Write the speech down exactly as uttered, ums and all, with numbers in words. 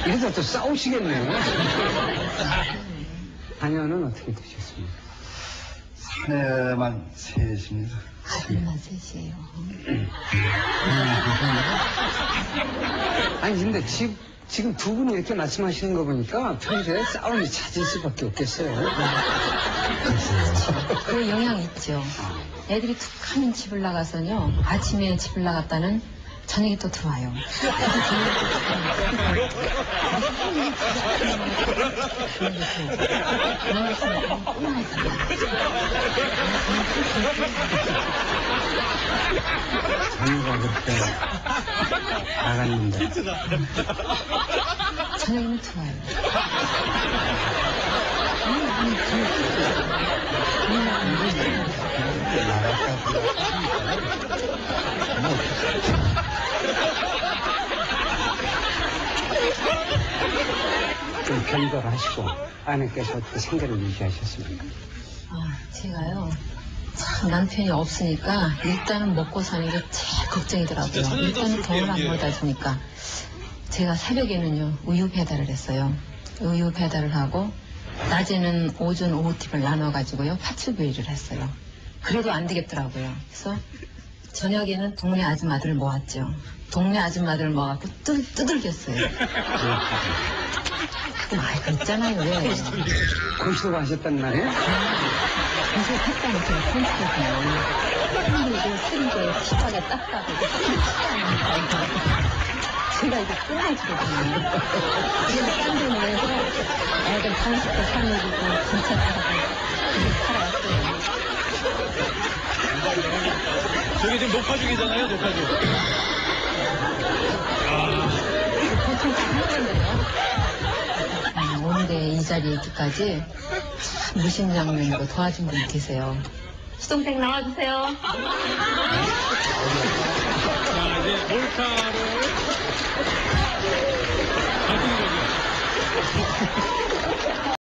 이러다 또 싸우시겠네요. 자녀는 어떻게 되셨습니까? 사내만 셋입니다. 아들만 셋이에요. 아니, 근데 지, 지금 두 분이 이렇게 말씀하시는 거 보니까 평소에 싸움이 잦을 수밖에 없겠어요. 그 영향 있죠. 애들이 툭 하면 집을 나가서요. 아침에 집을 나갔다는 저녁에 또 들어와요. 자녀가 그렇게 나갔는데. 저녁에는 들어와요. 좀 변별하시고 아내께서 어떻게 생계를 유지하셨습니까? 아, 제가요. 참 남편이 없으니까 일단은 먹고 사는 게 제일 걱정이더라고요. 일단은 돈을 안 벌다 주니까 제가 새벽에는요 우유 배달을 했어요. 우유 배달을 하고 낮에는 오전 오후팁을 나눠가지고요 파출부일을 했어요. 그래도 안 되겠더라고요. 그래서 저녁에는 동네 아줌마들을 모았죠. 동네 아줌마들을 모아갖고 뚜, 두들겼어요. 많이 그랬잖아요. 왜? 고시도가 하셨단 말이에요? 그래서 했다는 제가 편집했어요. 힘들고 쓰리게 피하게 닦아고 제가 이거 끊어지거든요. 지금 딴 데는 해서 애들 장식도 사내주고 진짜 살아왔어요. 저게 지금 녹화중이잖아요, 녹화중. 보통 다 하는데요. 아, 오늘의 이 자리에 있기까지 무심장면으로 도와준 분이 계세요. 수동생 나와주세요. 자, 이제 몰카로